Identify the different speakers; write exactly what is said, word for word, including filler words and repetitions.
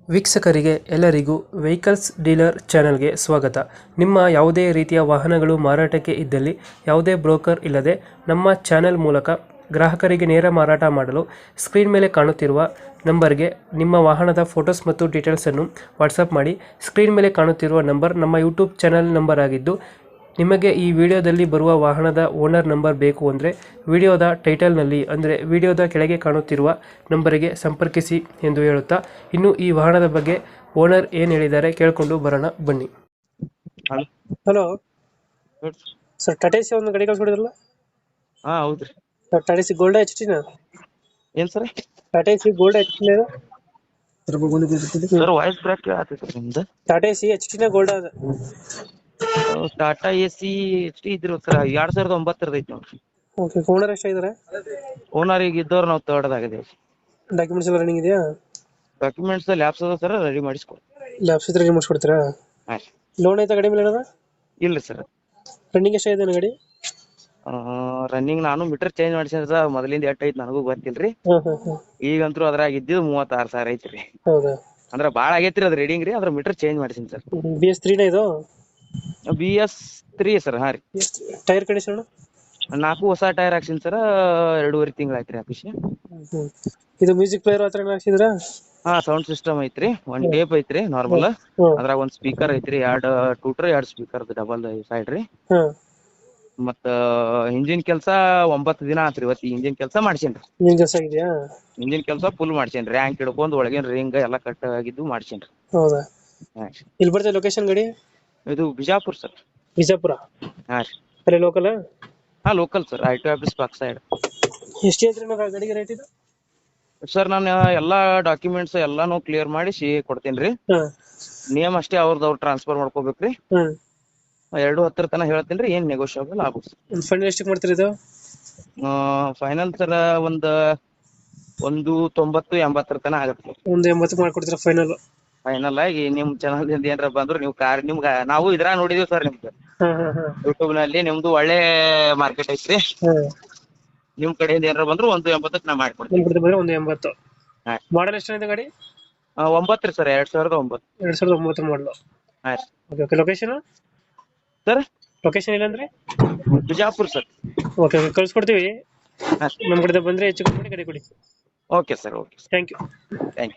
Speaker 1: ವೀಕ್ಷಕರಿಗೆ ಎಲ್ಲರಿಗೂ vehicles dealer ಚಾನೆಲ್ಗೆ ಸ್ವಾಗತ. ನಿಮ್ಮ ಯಾವುದೇ ರೀತಿಯ ವಾಹನಗಳು ಮಾರಾಟಕ್ಕೆ ಇದ್ದಲ್ಲಿ ಯಾವುದೇ ಬ್ರೋಕರ್ ಇಲ್ಲದೆ ನಮ್ಮ ಚಾನೆಲ್ ಮೂಲಕ ಗ್ರಾಹಕರಿಗೆ ನೇರ ಮಾರಾಟ ಮಾಡಲು ಸ್ಕ್ರೀನ್ ಮೇಲೆ ಕಾಣುತ್ತಿರುವ ನಂಬರ್ಗೆ ನಿಮ್ಮ ವಾಹನದ ಫೋಟೋಸ್ ಮತ್ತು ಡೀಟೇಲ್ಸನ್ನು ವಾಟ್ಸಪ್ ಮಾಡಿ. ಸ್ಕ್ರೀನ್ ಮೇಲೆ ಕಾಣುತ್ತಿರುವ ನಂಬರ್ ನಮ್ಮ ಯೂಟ್ಯೂಬ್ ಚಾನೆಲ್ ನಂಬರ್ ಆಗಿದ್ದು, ನಿಮಗೆ ಈ ವಿಡಿಯೋದಲ್ಲಿ ಬರುವ ವಾಹನದ ಓನರ್ ನಂಬರ್ ಬೇಕು ಅಂದರೆ ವಿಡಿಯೋದ ಟೈಟಲ್ನಲ್ಲಿ ಅಂದರೆ ವಿಡಿಯೋದ ಕೆಳಗೆ ಕಾಣುತ್ತಿರುವ ನಂಬರಿಗೆ ಸಂಪರ್ಕಿಸಿ ಎಂದು ಹೇಳುತ್ತಾ, ಇನ್ನು ಈ ವಾಹನದ ಬಗ್ಗೆ ಓನರ್ ಏನು ಹೇಳಿದ್ದಾರೆ ಕೇಳಿಕೊಂಡು ಬರೋಣ ಬನ್ನಿ.
Speaker 2: ಹಲೋ
Speaker 1: ಹಲೋ
Speaker 2: ಹೇಳ್ರಿ.
Speaker 1: ಸರ್, ಟಾಟಾ ಸಿ ಒಂದು ಗಾಡಿ ಕಳ್ಸ್ಕೊಡಿದ್ರಲ್ಲ
Speaker 2: ಹಾ ಹೌದ್ರಿ.
Speaker 1: Sir? Tata C gold H ಟಿನ
Speaker 2: ಏನ್ sir?
Speaker 1: Tata C gold H T
Speaker 2: sir voice break ಆಗ್ತೈತ್ರಿ ನಿಮ್ದು.
Speaker 1: ಟಾಟಾ ಸಿ ಎಚ್ ಟಿನ ಗೋಲ್ಡ್ ಅದ
Speaker 2: Tata A C H T ಇದ್ರಿ ಸರ್, ಎರಡ್ ಸಾವಿರದ ಒಂಬತ್ತರದ ಐತಿ ನೋಡ್ರಿ.
Speaker 1: ಓಕೆ. ಓನರ್ ಎಷ್ಟಾಗಿದ್ದಾರೆ?
Speaker 2: ಓನರ್ ಈಗ ಇದ್ದವ್ರು ನಾವು ತರ್ಡ್ ಆಗಿದೇವಿ.
Speaker 1: ಡಾಕ್ಯುಮೆಂಟ್ಸ್ ಎಲ್ಲ ರನ್ನಿಂಗ್ ಇದೆಯಾ?
Speaker 2: ಡಾಕ್ಯುಮೆಂಟ್ಸ್ ಲ್ಯಾಬ್ಸ್ ಅದ ಸರ್, ರೆಡಿ ಮಾಡಿಸ್ಕೊಡಿ.
Speaker 1: ಲ್ಯಾಬ್ಸ್ ಇದ್ರೆ ರೆಡಿ ಮಾಡಿಸ್ಕೊಡ್ತೀರಾ?
Speaker 2: ಹಾ
Speaker 1: ಲೋನ್ ಐತಾ ಗಾಡಿ ಮೇಲೆ ಏನದ?
Speaker 2: ಇಲ್ರಿ ಸರ್.
Speaker 1: ರನ್ನಿಂಗ್ ಎಷ್ಟಾಗಿದೆ ಗಾಡಿ?
Speaker 2: ರನ್ನಿಂಗ್ ನಾನು ಮೀಟರ್ ಚೇಂಜ್ ಮಾಡಿಸಿದ್ರೆ ಸರ್, ಮೊದಲಿಂದ ಎಷ್ಟ್ ಐತಿ ನನಗೂ ಗೊತ್ತಿಲ್ರಿ.
Speaker 1: ಹಾಂ ಹಾಂ ಹಾಂ
Speaker 2: ಈಗಂತೂ ಅದ್ರಾಗ ಇದ್ದಿದ್ದು ಮೂವತ್ತಾರು ಸಾವಿರ ಐತ್ರಿ.
Speaker 1: ಹೌದಾ?
Speaker 2: ಅಂದ್ರ ಬಾಳ ಆಗೈತ್ರಿ ಅದ್ ರೀಡಿಂಗ್ ರೀ. ಅದ್ರ ಮೀಟರ್ ಚೇಂಜ್ ಮಾಡಿಸಿನಿ ಸರ್.
Speaker 1: ಬಿ ಎಸ್ ತ್ರೀನ ಇದು?
Speaker 2: B S three sir. ಹಾ ರೀ.
Speaker 1: Tyre condition?
Speaker 2: ನಾಲ್ಕು ಹೊಸ ಟೈರ್ ಹಾಕ್ಸಿನಿ ಸರ್, ಎರಡೂವರೆ ತಿಂಗಳ ಆಯ್ತ್ರಿ ಹಾಕಿಸಿ.
Speaker 1: ಹ್ಮ್. ಇದು ಮ್ಯೂಸಿಕ್ ಪ್ಲೇಯರ್ ಹತ್ರ ಹಾಕ್ಸಿದ್ರ?
Speaker 2: ಹಾ, ಸೌಂಡ್ ಸಿಸ್ಟಮ್ ಐತ್ರಿ, ಒಂದ್ ಟೇಪ್ ಐತ್ರಿ ನಾರ್ಮಲ್. ಅದ್ರಾಗ ಒಂದ್ ಸ್ಪೀಕರ್ ಐತ್ರಿ, ಎರಡ್ ಟೂಟರ್ ಎರಡ್ ಸ್ಪೀಕರ್ ಡಬಲ್ ಸೈಡ್ ರೀ. ಮತ್ತ ಇಂಜಿನ್ ಕೆಲ್ಸ ಒಂಬತ್ತು ದಿನ ಆತ್ರಿ. ಇವತ್ತು ಇಂಜಿನ್ ಕೆಲ್ಸ ಮಾಡ್ಸೇನ್ರಿ.
Speaker 1: ನಿನ್ ಕೆಲಸ ಆಗಿದೆಯಾ?
Speaker 2: ಇಂಜಿನ್ ಕೆಲ್ಸ ಫುಲ್ ಮಾಡ್ಸೇನ್ರಿ. ರ್ಯಾಂಕ್ ಹಿಡ್ಕೊಂಡ್ ಒಳಗಿನ ರಿಂಗ್ ಎಲ್ಲಾ ಕಟ್ ಆಗಿದ್ದು ಮಾಡ್ಸೇನ್ರಿ.
Speaker 1: ಹೌದಾ?
Speaker 2: ಹಾ.
Speaker 1: ಇಲ್ಲಿ ಬರ್ತದೆ ಲೊಕೇಶನ್ ಗಾಡಿ?
Speaker 2: ಇದು ಬಿಜಾಪುರ್ ಸರ್.
Speaker 1: ಬಿಜಾಪುರ?
Speaker 2: ಹಾ ರೀ.
Speaker 1: ಅಲ್ಲೇ ಲೋಕಲ್?
Speaker 2: ಹಾ, local sir. I T office park side.
Speaker 1: ಎಷ್ಟು ಹೇಳ್ತೀರಿ ನಾವು ಗಾಡಿಗೆ ರೇಟ್ ಇದು?
Speaker 2: ಸರ್ ನಾನು ಎಲ್ಲಾ ಡಾಕ್ಯುಮೆಂಟ್ಸ್ ಎಲ್ಲಾನು ಕ್ಲಿಯರ್ ಮಾಡಿಸಿ ಕೊಡ್ತೇನ್ರಿ.
Speaker 1: ಹಾಂ
Speaker 2: ನೇಮ್ ಅಷ್ಟೇ ಅವ್ರದ್ದು ಅವ್ರು ಟ್ರಾನ್ಸ್ಫರ್ ಮಾಡ್ಕೋಬೇಕ್ರಿ.
Speaker 1: ಹಾಂ.
Speaker 2: ಎರಡು ಹತ್ತರ ತನ ಹೇಳ್ತೇನ್ರಿ, ಏನ್ ನೆಗೋಷಿಯಬಲ್ ಆಗುತ್ತೆ.
Speaker 1: ಒಂದು ಫೈನಲ್ ಎಷ್ಟಕ್ಕೆ ಮಾಡ್ತೀರಿ ಇದು?
Speaker 2: ಫೈನಲ್ ಸರ್ ಒಂದ್ ಒಂದು ತೊಂಬತ್ತು ಎಂಬತ್ತರ ತನ ಆಗತ್ತೆ.
Speaker 1: ಒಂದು ಎಂಬತ್ತು ಮಾಡ್ಕೊಡ್ತೀರಾ ಫೈನಲ್?
Speaker 2: ಫೈನಲ್ ಆಗಿ ನಿಮ್ ಚಾನಲ್ ಇಂದ ಏನಾರ ಬಂದ್ರು ನೀವು ಕಾರ್ ನಿಮ್ಗ ನಾವು ಇದ್ರಾಗ ನೋಡಿದೀವಿ ಸರ್. ನಿಮ್ದು
Speaker 1: ಹಾಂ ಹಾಂ ಹಾಂ
Speaker 2: ಯೂಟ್ಯೂಬ್ ನಲ್ಲಿ ನಿಮ್ದು ಒಳ್ಳೆ ಮಾರ್ಕೆಟ್ ಐತ್ರಿ.
Speaker 1: ಹಾಂ.
Speaker 2: ನಿಮ್ ಕಡೆಯಿಂದ ಏನಾರ ಬಂದ್ರು ಒಂದು ಎಂಬತ್ತಕ್ಕೆ ನಾ ಮಾಡ್ಕೊಡ್ತೀನಿ.
Speaker 1: ನಿಮ್ಮ ಕಡೆ ಬಂದರೆ ಒಂದು ಎಂಬತ್ತು.
Speaker 2: ಹಾ.
Speaker 1: ಮಾಡಲ್ ಎಷ್ಟಾಗಿದೆ ಗಾಡಿ?
Speaker 2: ಒಂಬತ್ತು ರೀ ಸರ್, ಎರಡ್ ಸಾವಿರದ ಒಂಬತ್ತು.
Speaker 1: ಎರಡು ಸಾವಿರದ ಒಂಬತ್ತು ಮಾಡಲು.
Speaker 2: ಹಾ ರೀ.
Speaker 1: Okay okay. Location
Speaker 2: sir?
Speaker 1: Location ಇಲ್ಲಾಂದ್ರೆ?
Speaker 2: ಬಿಜಾಪುರ್ ಸರ್.
Speaker 1: ಓಕೆ ಓಕೆ, ಕಳ್ಸ್ಕೊಡ್ತೀವಿ.
Speaker 2: ಹಾ.
Speaker 1: ನಮ್ಮ ಕಡೆ ಬಂದರೆ ಹೆಚ್ಚು ಕಮ್ಮಿ ಮಾಡಿ ಗಾಡಿ ಕೊಡಿ.
Speaker 2: Okay sir. Okay.
Speaker 1: Thank you.
Speaker 2: Thank you.